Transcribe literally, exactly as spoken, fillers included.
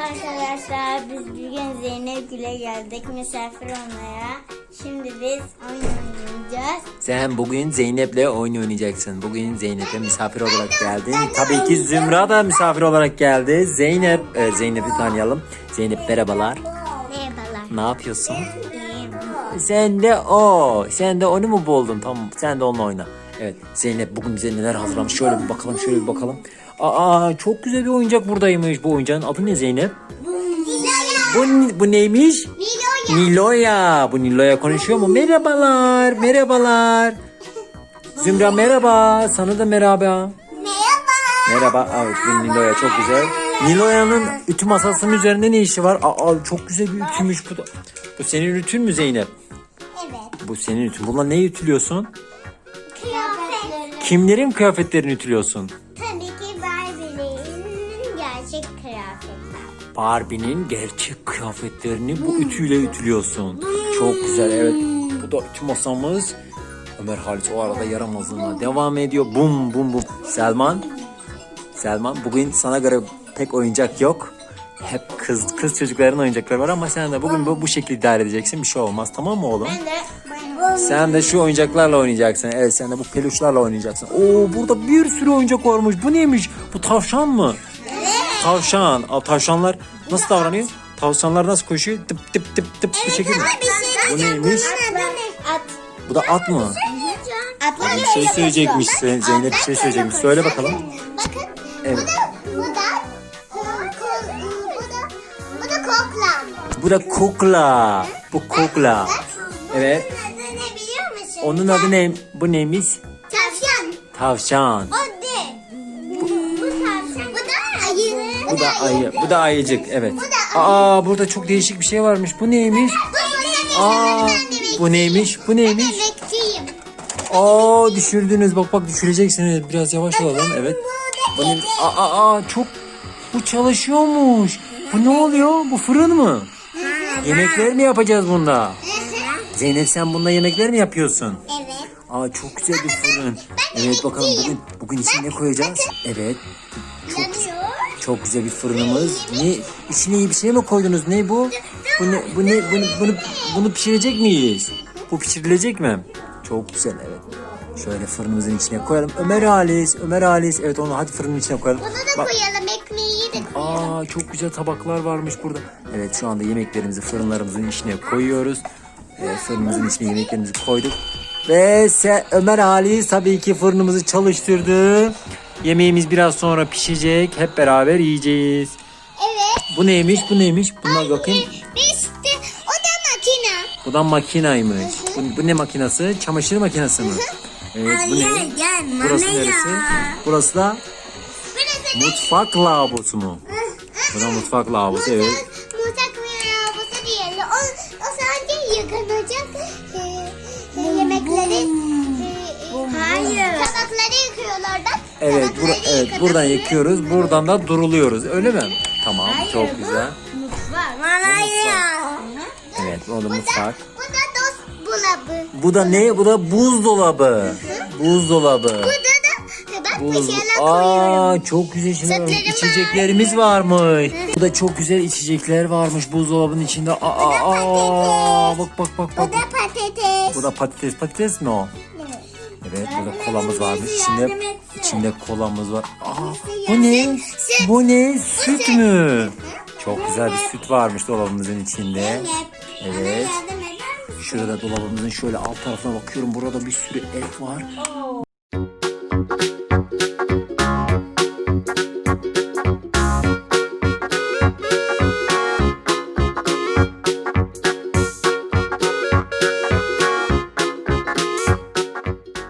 arkadaşlar, biz bugün Zeynep Gül'e geldik misafir olmaya. Şimdi biz oyun oynayacağız. Sen bugün Zeynep'le oyun oynayacaksın. Bugün Zeynep'e misafir olarak geldin. Tabii ki Zümra da misafir olarak geldi. Zeynep, e, Zeynep'i tanıyalım. Zeynep merhabalar. Merhabalar. Ne yapıyorsun? İyiyim. Sen de o. Sen de onu mu buldun? Tamam, sen de onunla oyna. Evet, Zeynep bugün bize neler hazırlamış? Şöyle bir bakalım, şöyle bir bakalım. Aa, çok güzel bir oyuncak buradaymış. Bu oyuncağın adı ne Zeynep? Bu, bu neymiş? Niloya. Niloya. Bu Niloya konuşuyor mu? Merhabalar, merhabalar. Zümra merhaba. Sana da merhaba. Merhaba. Merhaba. Evet, bu Niloya çok güzel. Niloya'nın ütü masasının üzerinde ne işi var? Aa, çok güzel bir ütümüş bu da. Bu senin ütün mü Zeynep? Evet. Bu senin ütün. Bununla ne ütülüyorsun? Kıyafetleri. Kimlerin kıyafetlerini ütülüyorsun? Tabii ki Barbie'nin gerçek kıyafetler. Barbie'nin gerçek kıyafetlerini bu ütüyle ütülüyorsun. Çok güzel, evet. Bu da ütü masamız. Ömer Halis o arada yaramazlığına devam ediyor. Bum bum bum. Selman. Selman, bugün sana göre pek oyuncak yok. Hep kız kız çocukların oyuncakları var ama sen de bugün bu, bu şekilde idare edeceksin. Bir şey olmaz, tamam mı oğlum? Ben de Sen de şu oyuncaklarla oynayacaksın. Evet, sen de bu peluşlarla oynayacaksın. Oo, burada bir sürü oyuncak varmış. Bu neymiş? Bu tavşan mı? Tavşan. Aa, tavşanlar nasıl davranıyor? Tavşanlar nasıl koşuyor? Tıp tıp tıp tıp bu şekilde mi? Bu neymiş? At. Bu da at mı? Atlar Bir şey söyleyecekmiş. Ze- Zeynep bir şey söyleyecekmiş. Söyle bakalım. Bakın. Evet. Bu da bu da bu da bu da kokla. Bu da kukla. Bu kukla. Evet. Bunun adı ne biliyor musun? Onun adı ne? Bu neymiş? Tavşan. Tavşan. O de. Bu, bu tavşan. Bu da ayı. Bu da ayı. Bu da ayıcık. Evet. Aa, burada çok değişik bir şey varmış. Bu neymiş? Aa, bu neymiş? Bu neymiş? Bekçiyim. Aa, düşürdünüz. Bak bak düşüreceksiniz. Biraz yavaş olalım. Evet. Bu ne? Aa, aa, aa, çok. Bu çalışıyormuş. Bu ne oluyor? Bu fırın mı? Yemekler mi yapacağız bunda? Zeynep, sen bunda yemekler mi yapıyorsun? Evet. Aa, çok güzel bir fırın. Evet, bakalım bugün bugün içine ne koyacağız? Evet. Çok Yanıyor. çok güzel bir fırınımız. Ne, içine iyi bir şey mi koydunuz? Ne bu? Bu ne? Bu ne? Bunu bunu bunu pişirecek miyiz? Bu pişirilecek mi? Çok güzel, evet. Şöyle fırınımızın içine koyalım. Ömer Halis, Ömer Halis. Evet, onu hadi fırının içine koyalım. Bunu da Bak. koyalım. Ekmeği de koyalım. Aa, çok güzel tabaklar varmış burada. Evet, şu anda yemeklerimizi fırınlarımızın içine koyuyoruz. Evet, fırınımızın içine yemeklerimizi koyduk. Ve se Ömer Halis tabii ki fırınımızı çalıştırdı. Yemeğimiz biraz sonra pişecek. Hep beraber yiyeceğiz. Evet. Bu neymiş? Bu neymiş? Bunlar bakayım. İşte o da makine. Bu da makinaymış. Bu, bu ne makinası? Çamaşır makinesi mi? Evet, bu ne? Burası neresi? Burası da Burası mutfak lavabosu mu? Bu da mutfak lavabosu, evet. Mutfak ve lavabosu diyelim. O, o sadece yıkanacak. Ee, yemekleri. E, hayır. Tabakları yıkıyorlar da. Evet, tabakları bur- evet yıkanıyor. buradan yıkıyoruz. Buradan da duruluyoruz. Öyle mi? Tamam, çok güzel. Mutfak. Hayır. Evet, o da mutfak. Bu da dost bulabı. Bu da ne? Bu da buzdolabı. Buzdolabı. Burada da bak bir Buz. şeyler koyuyorum. Aa, çok güzel şeyler var. Sütlerim var. İçeceklerimiz varmış. Bu da çok güzel içecekler varmış buzdolabının içinde. Aa, aa, bak bak bak Bu bak. da patates. Bu da patates. Patates mi o? Evet, burada kolamız varmış. İçinde içinde kolamız var. Aa, bu ne? Bu ne? Süt mü? Çok güzel bir süt varmış dolabımızın içinde. Evet. Yardım eder misin? Şurada dolabımızın şöyle alt tarafına bakıyorum. Burada bir sürü et var.